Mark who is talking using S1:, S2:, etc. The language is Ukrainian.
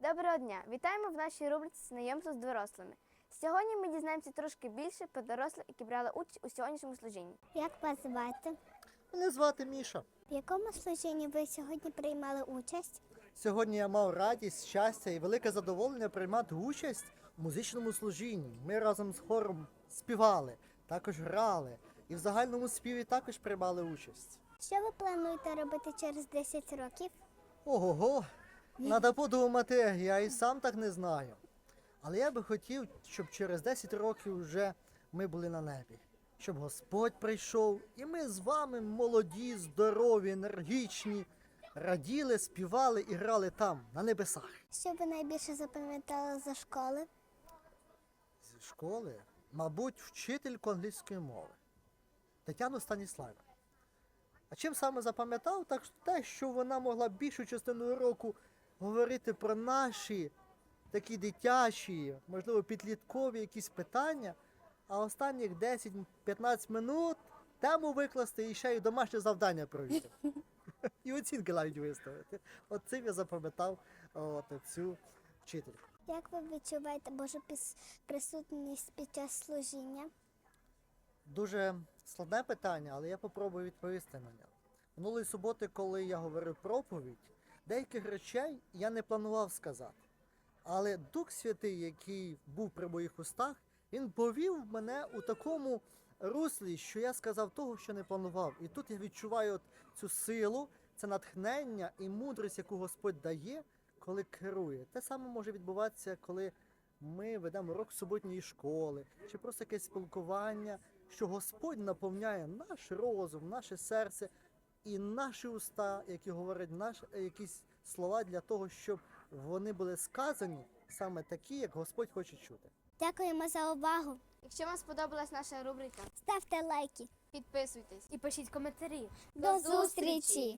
S1: Доброго дня! Вітаємо в нашій рубриці «Знайомство з дорослими». Сьогодні ми дізнаємося трошки більше про дорослих, які брали участь у сьогоднішньому служінні.
S2: Як вас звати?
S3: Мене звати Міша.
S2: В якому служінні ви сьогодні приймали участь?
S3: Сьогодні я мав радість, щастя і велике задоволення приймати участь у музичному служінні. Ми разом з хором співали, також грали і в загальному співі також приймали участь.
S2: Що ви плануєте робити через 10 років?
S3: Ого-го, треба подумати, я і сам так не знаю. Але я би хотів, щоб через 10 років вже ми були на небі. Щоб Господь прийшов, і ми з вами молоді, здорові, енергічні, раділи, співали і грали там, на небесах.
S2: Що ви найбільше запам'ятали за школи?
S3: Зі школи, мабуть, вчительку англійської мови Тетяну Станіславівну. А чим саме запам'ятав, так те, що вона могла більшу частину року говорити про наші такі дитячі, можливо, підліткові якісь питання, а останніх 10-15 минут тему викласти і ще й домашнє завдання провести. І оцінки навіть виставити. От цим я запам'ятав цю вчительку.
S2: Як ви відчуваєте Божу присутність під час служіння?
S3: Дуже складне питання, але я попробую відповісти на нього. Минулої суботи, коли я говорив проповідь, деяких речей я не планував сказати. Але Дух Святий, який був при моїх устах, він повів мене у такому руслі, що я сказав того, що не планував. І тут я відчуваю цю силу, це натхнення і мудрість, яку Господь дає, коли керує. Те саме може відбуватися, коли ми ведемо урок суботньої школи, чи просто якесь спілкування, що Господь наповняє наш розум, наше серце і наші уста, які говорять якісь слова для того, щоб вони були сказані саме такі, як Господь хоче чути.
S2: Дякуємо за увагу.
S1: Якщо вам сподобалась наша рубрика,
S2: Ставте лайки.
S1: підписуйтесь і пишіть коментарі.
S2: До зустрічі!